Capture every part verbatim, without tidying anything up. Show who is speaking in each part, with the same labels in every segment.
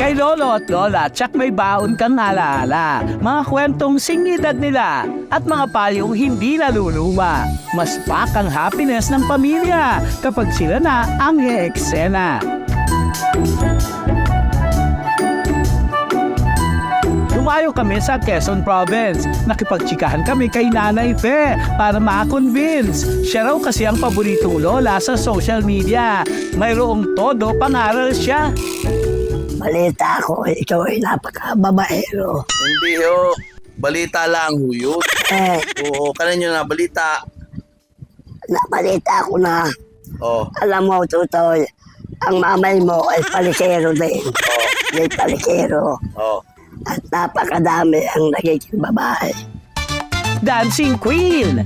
Speaker 1: Kay lolo at lola, tsak may baon kang alaala. Mga kwentong singidad nila at mga payong hindi naluluma. Mas pak ang happiness ng pamilya kapag sila na ang eksena. Lumayo kami sa Quezon Province. Nakipagtsikahan kami kay Nanay Fe para ma-convince. Siya raw kasi ang paboritong lola sa social media. Mayroong todo pangaral siya.
Speaker 2: Balita ko, ikaw ay napaka-babaero.
Speaker 3: Hindi ho. Balita lang ho yun.
Speaker 2: Eh,
Speaker 3: Oo, kanan nyo na balita.
Speaker 2: nabalita ko na,
Speaker 3: Oh,
Speaker 2: alam mo, Tutoy, ang mamay mo ay palikero din.
Speaker 3: oh,
Speaker 2: May palikero.
Speaker 3: oh.
Speaker 2: At napakadami ang nagiging babae.
Speaker 1: Dancing Queen.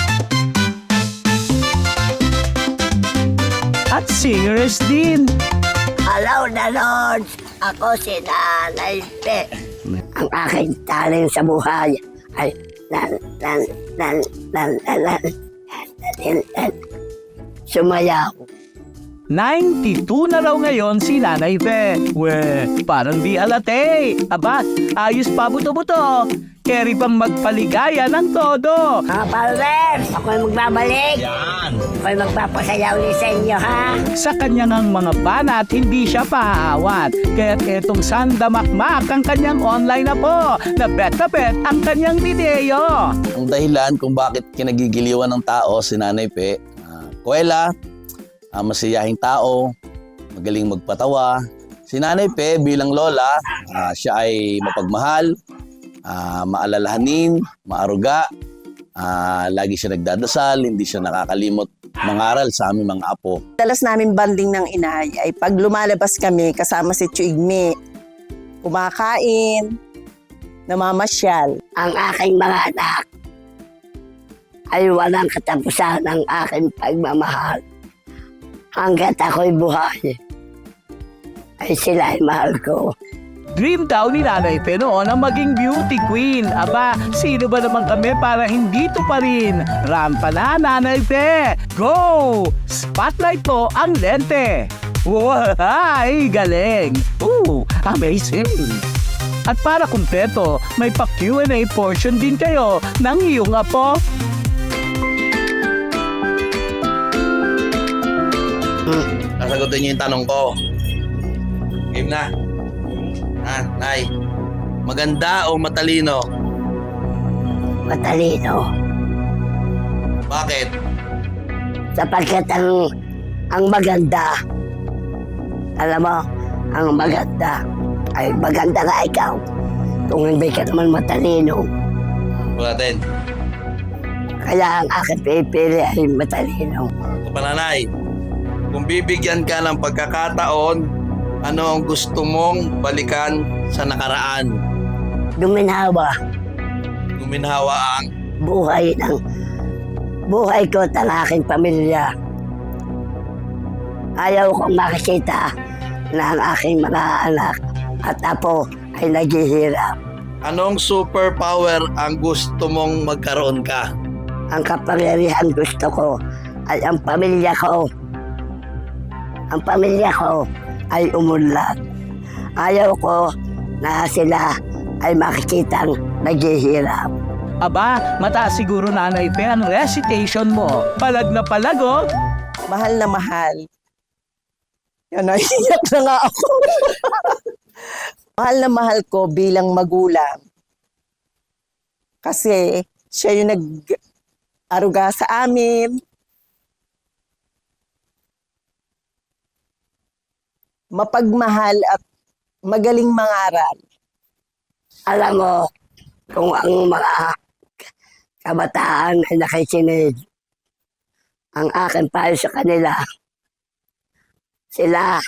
Speaker 1: At singers din.
Speaker 2: Hello, Lords! Ako si Nanay Pe. Ang aking talent sa buhay ay lan, lan, lan, lan, lan, lan, lan, lan, sumayaw.
Speaker 1: ninety-two na raw ngayon si Nanay Fe. We, parang di alate. Aba, ayos pa buto-buto. Carry pang magpaligaya ng todo.
Speaker 2: Mga followers, ako'y magbabalik.
Speaker 3: Yan.
Speaker 2: Ako'y magpapasayaw ulit sa inyo, ha?
Speaker 1: Sa kanyang ang mga banat, hindi siya pahaawat. Kaya't etong sandamakmak ang kanyang online na po. Na bet na bet ang kanyang video.
Speaker 3: Ang dahilan kung bakit kinagigiliwan ng tao si Nanay Pe, uh, kuwela, uh, masiyahing tao, magaling magpatawa. Si Nanay Pe bilang lola, uh, siya ay mapagmahal, uh, maalalahanin, maaruga, uh, lagi siya nagdadasal, hindi siya nakakalimot mangaral sa aming mga apo.
Speaker 4: Dalas namin banding ng inay ay pag lumalabas kami kasama si Chuigme, kumakain, namamasyal.
Speaker 2: Ang aking mga anak ay walang katapusan ng aking pagmamahal. Hanggat ako'y buhay, ay sila ay mahal ko.
Speaker 1: Dream daw ni Nanay Fe noon ang maging beauty queen. Aba, sino ba naman kami para hindi to pa rin? Rampa na, Nanay Fe! Go! Spotlight po ang lente. Wow, ay, galing! Ooh, amazing! At para kumpleto, may pa-Q and A portion din kayo ng iyong apo.
Speaker 3: Hmm, nasagutin niyo yung tanong ko. Game na. Ah, Nay, maganda o matalino?
Speaker 2: Matalino.
Speaker 3: Bakit?
Speaker 2: Sapagkat ang, ang maganda, alam mo, ang maganda, ay maganda nga ikaw. Kung hindi ka naman matalino,
Speaker 3: Natin.
Speaker 2: kaya ang aking pipili ay matalino.
Speaker 3: Ito pa, Nanay. Kung bibigyan ka ng pagkakataon, ano ang gusto mong balikan sa nakaraan?
Speaker 2: Duminhawa,
Speaker 3: Guminhawa ang
Speaker 2: buhay ng buhay ko at ang aking pamilya. Ayaw kong makikita na ang aking mga anak at apo ay naghihirap.
Speaker 3: anong superpower ang gusto mong magkaroon ka?
Speaker 2: Ang kapangyarihan gusto ko ay ang pamilya ko. Ang pamilya ko ay umunlad. Ayaw ko na sila ay makikitang naghihirap.
Speaker 1: Aba, mataas siguro, Nanay Fe ang recitation mo. Palag na palag, oh.
Speaker 4: Mahal na mahal. Yan, naiiyak na nga ako. Mahal na mahal ko bilang magulang. Kasi siya yung nag-aruga sa amin. Mapagmahal at magaling mangaral.
Speaker 2: Alam mo, kung ang mga kabataan ay nakikinig, ang akin payo sa kanila, sila,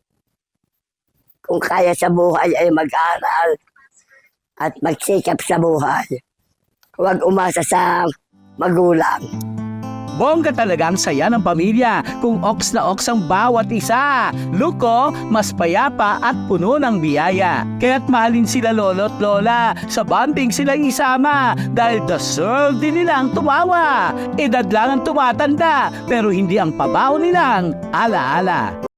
Speaker 2: kung kaya sa buhay ay mag-aral at magsikap sa buhay. Huwag umasa sa magulang.
Speaker 1: Bongga talaga ang saya ng pamilya kung oks na oks ang bawat isa. Luko, mas payapa at puno ng biyaya. Kaya't mahalin sila lolo at lola. Sa bonding sila isama dahil deserve din nilang tumawa. Edad lang ang tumatanda pero hindi ang pabaw nilang alaala.